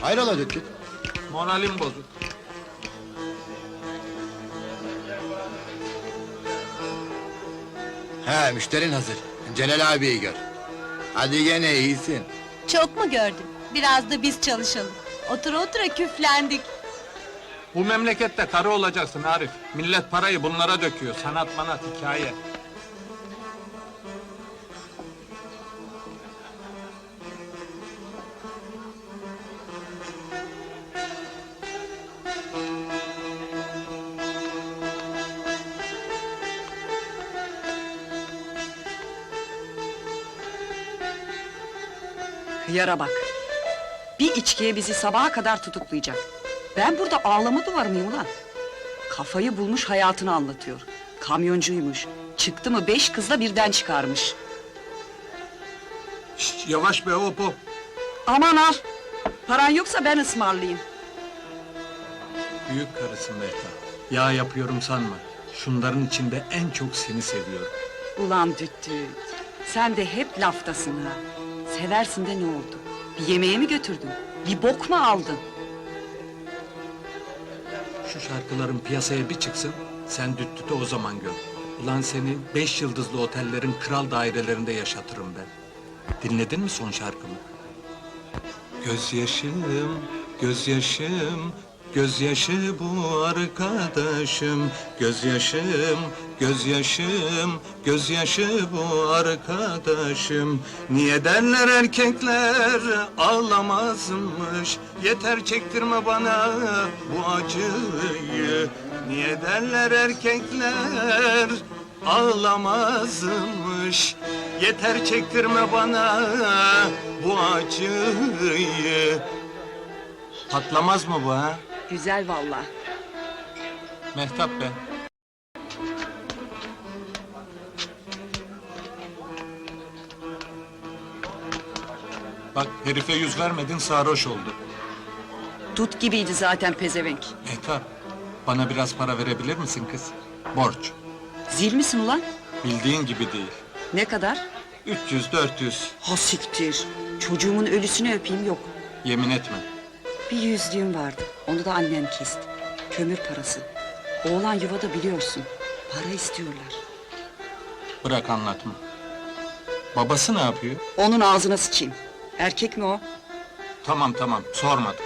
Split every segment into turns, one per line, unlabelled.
Hayrola Dükçük?
Moralim bozuk.
He, müşterin hazır. Celal abiyi gör. Hadi gene iyisin.
Çok mu gördün? Biraz da biz çalışalım. Otura otura küflendik.
Bu memlekette karı olacaksın Arif. Millet parayı bunlara döküyor. Sanat manat hikaye.
Hıyara bak! Bir içkiye bizi sabaha kadar tutuklayacak. Ben burada ağlama duvarı mıyım ulan? Kafayı bulmuş hayatını anlatıyor. Kamyoncuymuş. Çıktı mı 5 kızla birden çıkarmış.
Şşt, yavaş be hop hop.
Aman al! Paran yoksa ben ısmarlayayım.
Büyük karısın Mehtap. Ya yapıyorum sanma. Şunların içinde en çok seni seviyorum.
Ulan düt düt! Sen de hep laftasın ha. Seversin de ne oldu? Bir yemeğe mi götürdün? Bir bok mu aldın?
Şu şarkıların piyasaya bir çıksın, sen düt dütü o zaman gör. Ulan seni 5 yıldızlı otellerin kral dairelerinde yaşatırım ben. Dinledin mi son şarkımı? Gözyaşım, gözyaşım, gözyaşı bu arkadaşım. Gözyaşım, gözyaşım, gözyaşı bu arkadaşım. Niye derler erkekler ağlamazmış? Yeter çektirme bana bu acıyı. Niye derler erkekler ağlamazmış? Yeter çektirme bana bu acıyı. Patlamaz mı bu ha?
Güzel vallahi.
Mehtap be. Bak herife yüz vermedin sarhoş oldu.
Dut gibiydi zaten pezevenk.
Mehtap, bana biraz para verebilir misin kız? Borç.
Zil misin ulan?
Bildiğin gibi değil.
Ne kadar?
300-400.
Ha siktir! Çocuğumun ölüsünü öpeyim yok.
Yemin etme.
Bir yüzlüğüm vardı, onu da annem kesti. Kömür parası. Oğlan yuvada biliyorsun, para istiyorlar.
Bırak anlatma. Babası ne yapıyor?
Onun ağzına sıçayım. Erkek mi o?
Tamam tamam, sormadım.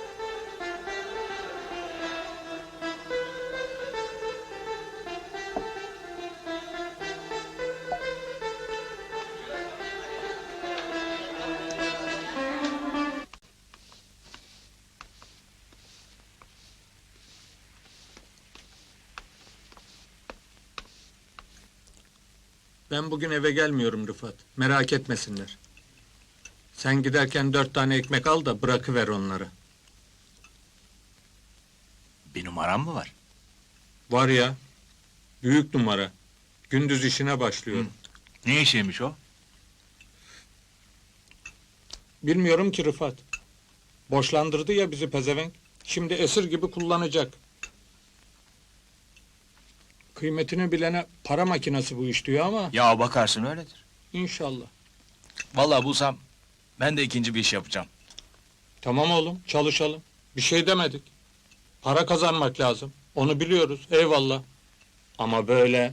Ben bugün eve gelmiyorum Rıfat. Merak etmesinler. Sen giderken 4 tane ekmek al da bırakıver onları.
Bir numaram mı var?
Var ya, büyük numara. Gündüz işine başlıyor.
Ne işiymiş o?
Bilmiyorum ki Rıfat. Boşlandırdı ya bizi pezevenk. Şimdi esir gibi kullanacak. Kıymetini bilene para makinesi bu iş diyor ama
Ya bakarsın öyledir.
inşallah.
Vallahi bulsam ben de ikinci bir iş yapacağım.
Tamam oğlum, çalışalım. Bir şey demedik. Para kazanmak lazım. Onu biliyoruz, eyvallah. Ama böyle...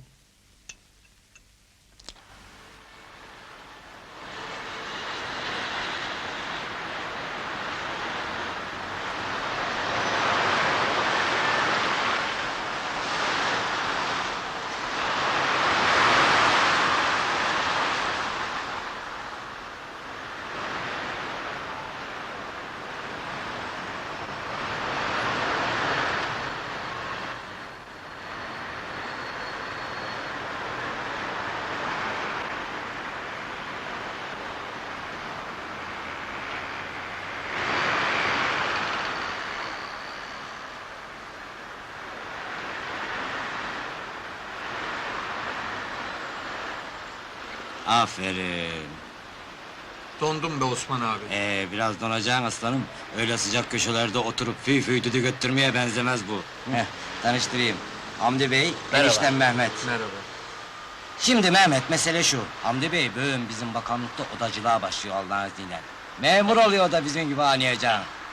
Aferin.
Dondum be Osman abi.
Biraz donacaksın aslanım. Öyle sıcak köşelerde oturup fıy fıy düdük öttürmeye benzemez bu. Tanıştırayım. Hamdi Bey,
Merhaba.
eniştem Mehmet.
Merhaba.
Şimdi Mehmet, mesele şu. Hamdi Bey, bugün bizim bakanlıkta odacılığa başlıyor Allah'ın izniyle. Memur oluyor da bizim gibi anlayacağın.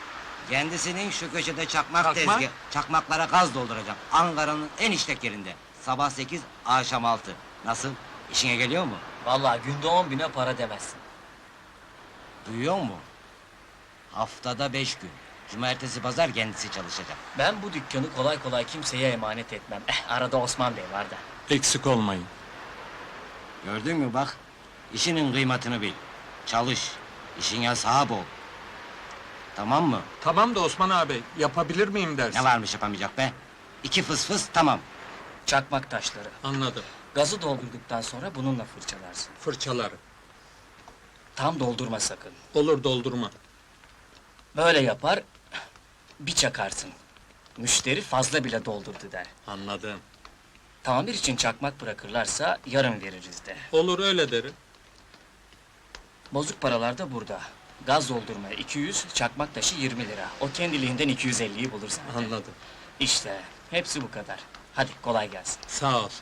Kendisinin şu köşede çakmak,
Çakmak?
çakmaklara gaz dolduracağım. Ankara'nın en işlek yerinde. Sabah 8, akşam 6. Nasıl? İşine geliyor mu?
Vallahi günde 10.000'e para demezsin.
Duyuyor mu? Haftada 5 gün. Cumartesi pazar kendisi çalışacak.
Ben bu dükkanı kolay kolay kimseye emanet etmem. Arada Osman Bey var da.
Eksik olmayın.
Gördün mü bak? İşinin kıymetini bil. Çalış. İşine sahip ol. Tamam mı?
Tamam da Osman abi, yapabilir miyim dersin?
Ne varmış yapamayacak be? 2 fıs fıs tamam.
Çakmak taşları.
Anladım.
Gazı doldurduktan sonra bununla fırçalarsın.
Fırçaları.
Tam doldurma sakın.
Olur, doldurma.
Böyle yapar, bir çakarsın. Müşteri fazla bile doldurdu der.
Anladım.
Tamir için çakmak bırakırlarsa yarın veririz de.
Olur, öyle derim.
Bozuk paralar da burada. Gaz doldurmaya 200, çakmak taşı 20 lira. O kendiliğinden 250'yi bulur zaten.
Anladım.
İşte, hepsi bu kadar. Hadi kolay gelsin.
Sağ ol.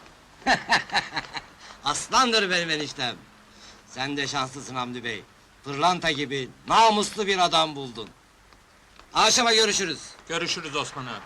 Aslandır benim eniştem. Sen de şanslısın Hamdi Bey. Pırlanta gibi namuslu bir adam buldun. Akşama görüşürüz.
Görüşürüz Osman abi.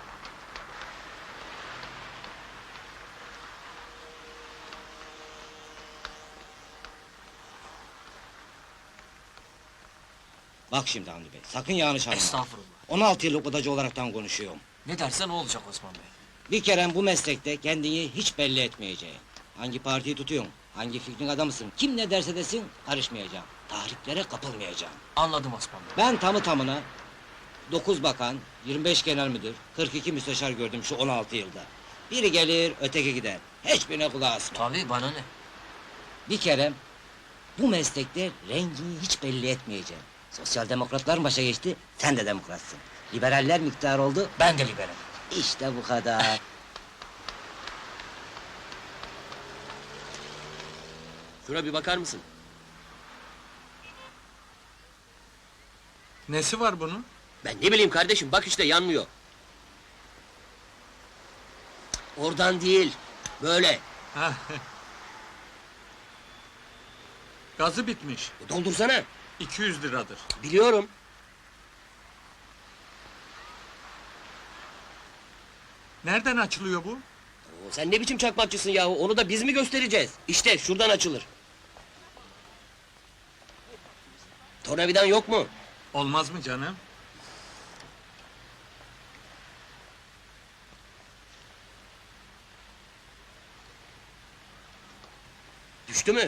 Bak şimdi Hamdi Bey, sakın yanlış anlama.
Estağfurullah.
16 yıllık odacı olaraktan konuşuyorum.
Ne dersen o olacak Osman Bey.
Bir kere bu meslekte kendini hiç belli etmeyeceğim. Hangi partiyi tutuyorsun, hangi fikrin adamısın, kim ne derse desin karışmayacağım. Tahriklere kapılmayacağım.
Anladım Osman Bey.
Ben tamı tamına 9 bakan, 25 genel müdür, 42 müsteşar gördüm şu 16 yılda. Biri gelir, öteki gider. Hiçbirine kulağı asma.
Tabii bana ne?
Bir kere bu meslekte rengini hiç belli etmeyeceğim. Sosyal demokratlar başa geçti, sen de demokratsın. Liberaller miktar oldu,
Ben de liberim.
işte bu kadar.
Şuna bir bakar mısın?
Nesi var bunun?
Ben ne bileyim kardeşim, bak işte yanmıyor. Oradan değil, böyle.
Hah. Gazı bitmiş.
Doldursana.
200 liradır.
Biliyorum.
Nereden açılıyor bu?
Oo, sen ne biçim çakmakçısın yahu, onu da biz mi göstereceğiz? İşte şuradan açılır. Tornavidan yok mu?
Olmaz mı canım?
Düştü mü?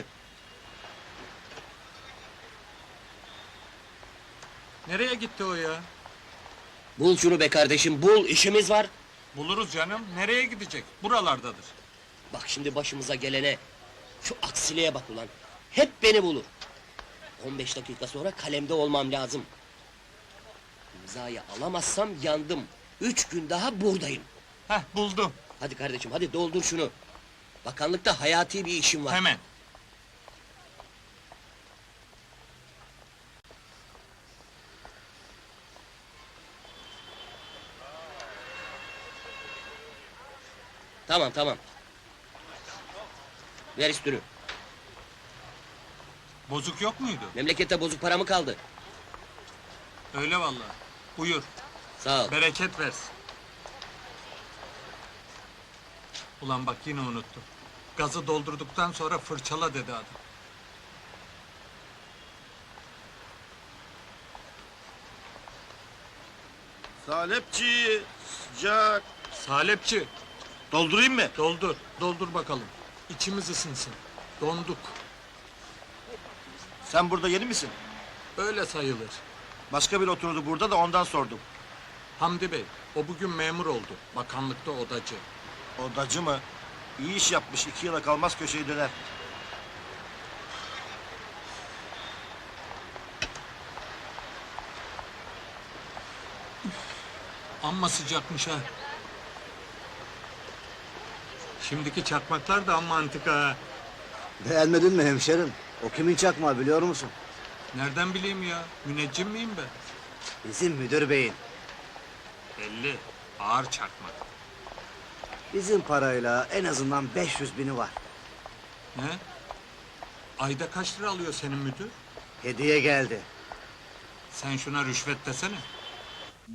Nereye gitti o ya?
Bul şunu be kardeşim, bul, işimiz var.
Buluruz canım. Nereye gidecek? Buralardadır.
Bak şimdi başımıza gelene, şu aksiliğe bak ulan. Hep beni bulur. 15 dakika sonra kalemde olmam lazım. İmzayı alamazsam yandım. 3 gün daha buradayım.
Heh, buldum.
Hadi kardeşim, hadi doldur şunu. Bakanlıkta hayati bir işim var.
Hemen.
Tamam, tamam. Ver üstünü.
Bozuk yok muydu?
Memlekette bozuk para mı kaldı?
Öyle vallahi. Buyur.
Sağ ol.
Bereket versin. Ulan bak yine unuttum. Gazı doldurduktan sonra fırçala dedi adam.
Salepçi, sıcak.
Salepçi,
Doldurayım mı?
doldur. Doldur bakalım. İçimiz ısınsın. Donduk.
Sen burada yeni misin?
Öyle sayılır.
Başka biri oturdu burada da ondan sordum.
Hamdi Bey, o bugün memur oldu. Bakanlıkta odacı.
Odacı mı? İyi iş yapmış, 2 yıla kalmaz köşeyi döner.
Amma sıcakmış ha. Şimdiki çakmaklar da amma antika ha.
Beğenmedin mi hemşerim? O kimin çakmağı biliyor musun?
Nereden bileyim ya? Müneccim miyim ben?
Bizim müdür beyin.
Belli. Ağır çakmak.
Bizim parayla en azından 500.000'i var.
Ne? Ayda kaç lira alıyor senin müdür?
Hediye geldi.
Sen şuna rüşvet desene.